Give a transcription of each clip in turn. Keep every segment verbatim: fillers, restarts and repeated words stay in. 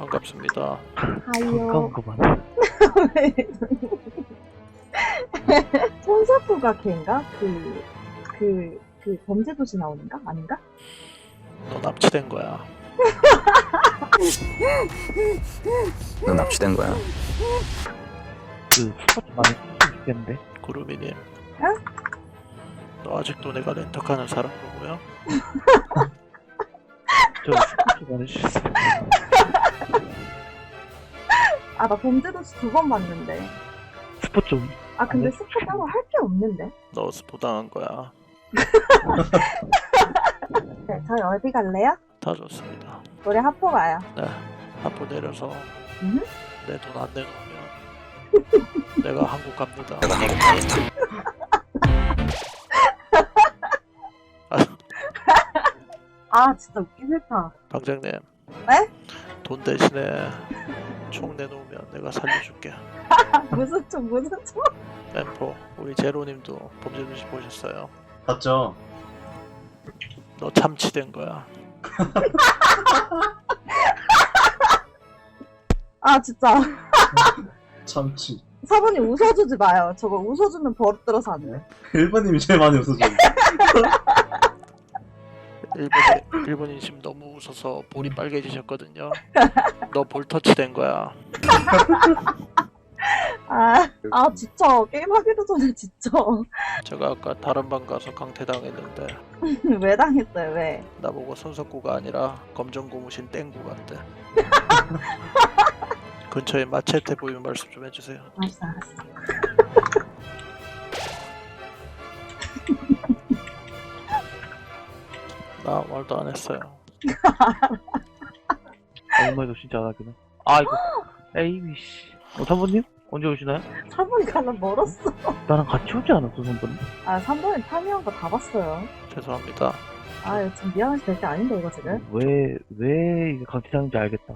반갑습니다. 하이요. 가까운 손사부가 걔인가? 그, 그, 그 범죄도시 나오는가? 아닌가? 너 납치된 거야. 너 납치된 거야. 그 스포츠 많이 했으면 좋겠는데. 구루미님. 응? 너 아직도 내가 렌터카는 사람으로 보여? 저 스포츠 많이 했어요. 아, 나 범죄도시 두 번 봤는데. 스포츠 좀. 아, 근데 아니, 스포 따로 할 게 없는데. 너 스포 당한 거야. 네, 저희 어디 갈래요? 다 좋습니다. 우리 하포 가요. 네. 한포 내려서 음? 내 돈 안 내놓으면 내가 한국 갑니다. 내가 한국 갑니다. 아, 진짜 웃기 싫다. 방장님. 네? 돈 대신에 총 내놓으면 내가 살려줄게. 무슨 총, 무슨 총? 엠포, 우리 제로님도 범죄도시 보셨어요? 봤죠? 너 참치된 거야. 아, 진짜. 참치. 사부님 웃어주지 마요. 저거 웃어주면 버릇 들어서 안 돼. 일본님이 제일 많이 웃어줘. 일본 일본인 지금 너무 웃어서 볼이 빨개지셨거든요. 너 볼터치 된 거야. 아, 아, 진짜. 게임하기도 전에 진짜. 제가 아까 다른 방 가서 강퇴당했는데 왜 당했어요, 왜? 나보고 손석구가 아니라 검정고무신 땡구 같대. 근처에 마체테 보이면 말씀 좀 해주세요. 알았어, 알았어. 나 말도 안 했어요. 아무 말도 진짜 안 하긴 해. 아, 이거. 에이미, 씨. 어, 삼번님? 언제 오시나요? 사부님 가면 멀었어. 나랑 같이 오지 않았어, 삼번님? 아, 삼번님 파밍한 거 다 봤어요. 죄송합니다. 아, 이거 지금 미안해서 될 게 아닌데, 이거 지금. 왜, 왜 이게 강퇴당인지 알겠다.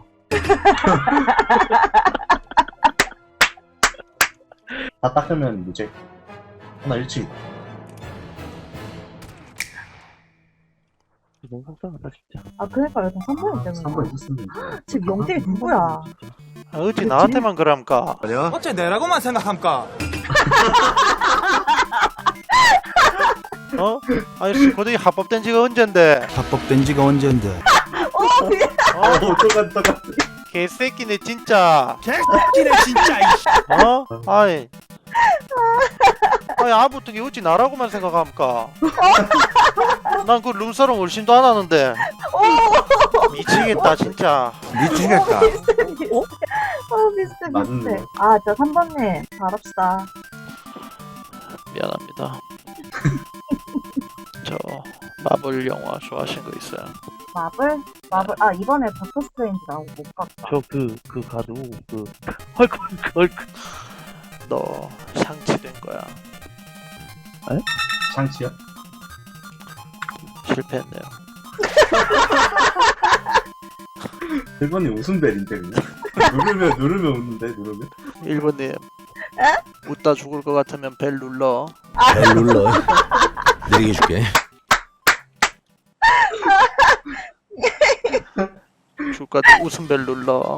다 닦으면 무죄. 하나 일치. 너무 속상하다, 진짜. 아, 그러니까 여튼 삼번님 때문에. 삼 번 있었습니다. 지금 영딜이 누구야? 아, 어찌 나한테만 그람까? 어째 내라고만 생각함까? 어? 아저씨 고등이 합법된 지가 언젠데? 합법된 지가 언젠데? 어, 미안. 어? 어, 똑같, 똑같. 개새끼네 진짜. 개새끼네 진짜. 어? 아이. 아니 아무튼 어찌 나라고만 생각함까? 난 그 룸사롱 얼씬도 안 하는데. 미치겠다 진짜. 미치겠다. 아, 비슷해, 비슷해. 맞네. 아, 진짜 삼번님, 잘합시다. 미안합니다. 저 마블 영화 좋아하신 거 있어요? 마블? 마블, 아, 이번에 닥터 스트레인지 나오고 못 갔다. 저 그, 그 가도, 그, 헐크, 헐크, 헐크. 너 상치된 거야. 장치야? 실패했네요. 일본님 웃음벨인데, 그냥. 누르면, 누르면 웃는데, 누르면? 일본님. 웃다 죽을 것 같으면 벨 눌러. 벨 눌러. 내리게 줄게. 죽을 것 같으면 웃음 벨 눌러.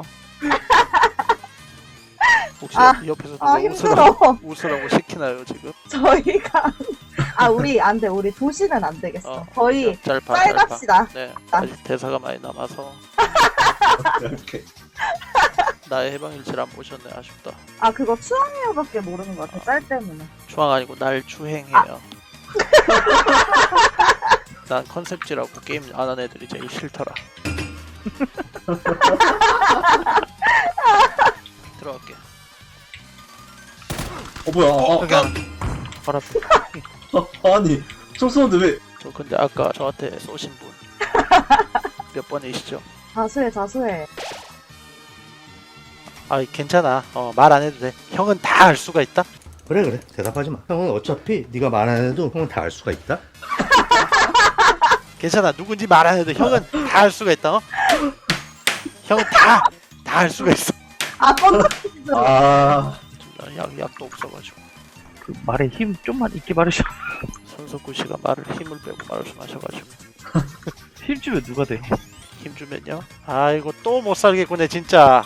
혹시 아, 옆에서 아, 누가 힘들어. 웃으라고, 웃으라고 시키나요 지금? 저희가. 아, 우리 안 돼. 우리 도시는 안 되겠어. 어, 저희 짧아 쌀 짧아. 갑시다. 네, 아. 아직 대사가 많이 남아서 이렇게. 나의 해방일지를 안 보셨네. 아쉽다. 아, 그거 추앙해요밖에 모르는 것 같아. 짤 때문에. 추앙 아니고 날 추행해요. 난 컨셉지라고 게임 안 하는 애들이 제일 싫더라. 들어갈게. 어, 뭐야. 어, 그냥 바로 앞에. 어, 아니. 총 쏘는데 왜. 저 근데 아까 저한테 쏘신 분 몇 번이시죠? 자수해, 자수해. 아 괜찮아. 어, 말 안 해도 돼. 형은 다 알 수가 있다. 그래 그래 대답하지 마. 형은 어차피 네가 말 안 해도 형은 다 알 수가 있다. 괜찮아. 누군지 말 안 해도 형은 다 알 수가 있다. 어? 형은 다 다 알 수가 있어. 아, 뻔뻔. 아. 약 약도 없어가지고. 그 말에 힘 좀만 있게 말으셔. 손석구 씨가 말을 힘을 빼고 말씀하셔가지고 힘 주면 누가 돼? 힘 주면요. 아이고 또 못 살겠구네 진짜.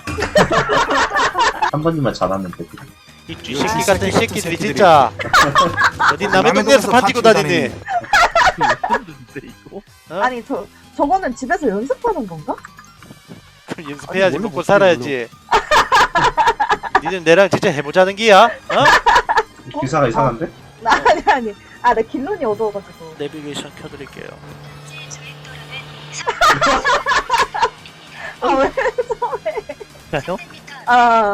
한 번님만 잘하면 돼. 이 쥐새끼 같은 새끼들이 진짜. 어디 남의 동네에서 반지고 다니니? 근데 이거? 어? 아니 저 저거는 집에서 연습하는 건가? 그럼 연습해야지 아니, 원래 먹고 못 살아야지. 니들 내랑 진짜 해보자는 기야? 어? 기사가 이상한데? 나 아니 아니 아 나 길론이 어두워가지고. 내비게이션 켜드릴게요. 아왜 야요? 아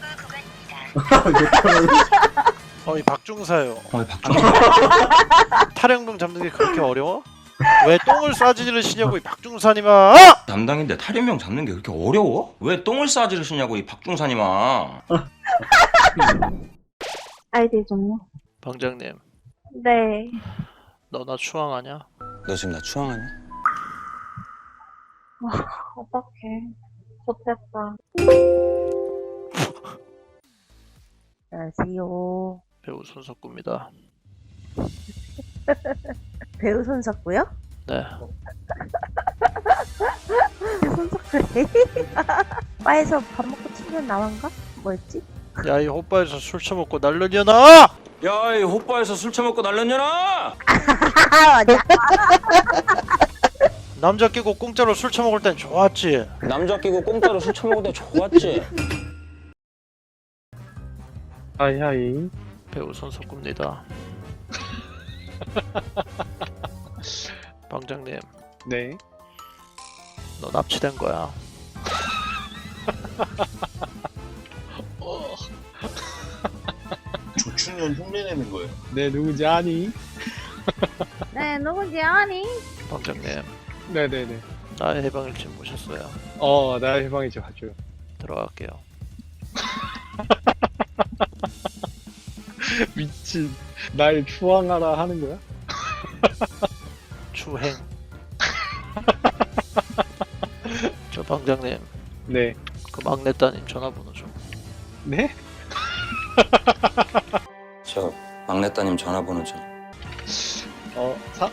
어이 박중사요. 어, 박준호. 탈영병 잡는 게 그렇게 어려워? 왜 똥을 싸지를 시냐고 이 박중사님아! 담당인데 탈인명 잡는 게 그렇게 어려워? 왜 똥을 싸지르시냐고 이 박중사님아. 아이디 좀요. 방장님, 네. 너 나 추앙하냐? 너 지금 나 추앙하냐? 어떡해. 좋겠다. 안녕하세요. 배우 손석구입니다. 배우 손석구요? 네. 손석구래. 바에서 밥 먹고 친구는 나만가? 뭐였지? 야 이 호빠에서 술 처먹고 날려녀나! 야, 이 호빠에서 술 처먹고 날렸냐나? 아 맞아. 남자 끼고 공짜로 술 처먹을 땐 좋았지. 남자 끼고 공짜로 술 처먹을 때 좋았지. 하이 하이. 배우 손석구입니다. 방장님, 네. 너 납치된 거야. 조충현 흉내내는 거예요. 네 누구지 아니? 네 누군지 아니? 방장님, 네네네. 나의 해방일지 모셨어요. 어 나의 해방이지 봐줘요. 들어갈게요. 미친. 날 추앙하라 하는 거야? 추행. 저 방장님, 네. 그 막내 따님 전화번호 좀. 네? 저 막내 따님 전화번호 좀. 어 사?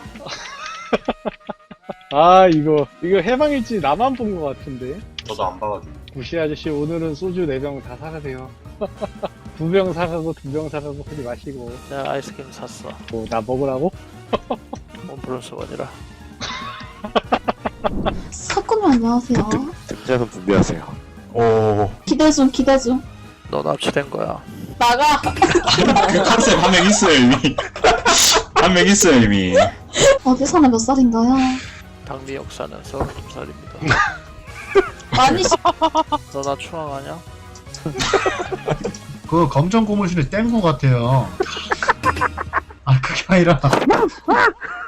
아 이거 이거 해방일지 나만 본 거 같은데. 저도 안 봐가지고. 구시 아저씨 오늘은 소주 네 병 다 사가세요. 두 병 사가고 두 병 사가고 하지 마시고. 내가 아이스크림 샀어. 뭐 나 먹으라고? 원 플러스 원이라. 사건님 안녕하세요. 등장은 준비하세요. 오. 기대 중 기대 중. 너 납치된 거야. 나가. 그 컨셉 한 명 있어요 이미. 한 명 있어요 이미. 어디 사는 몇 살인가요? 당리 역사는 서른두 살입니다. 아니 너 나 추앙하냐? 그 검정 고무신을 뗀 거 같아요. 아 그게 아니라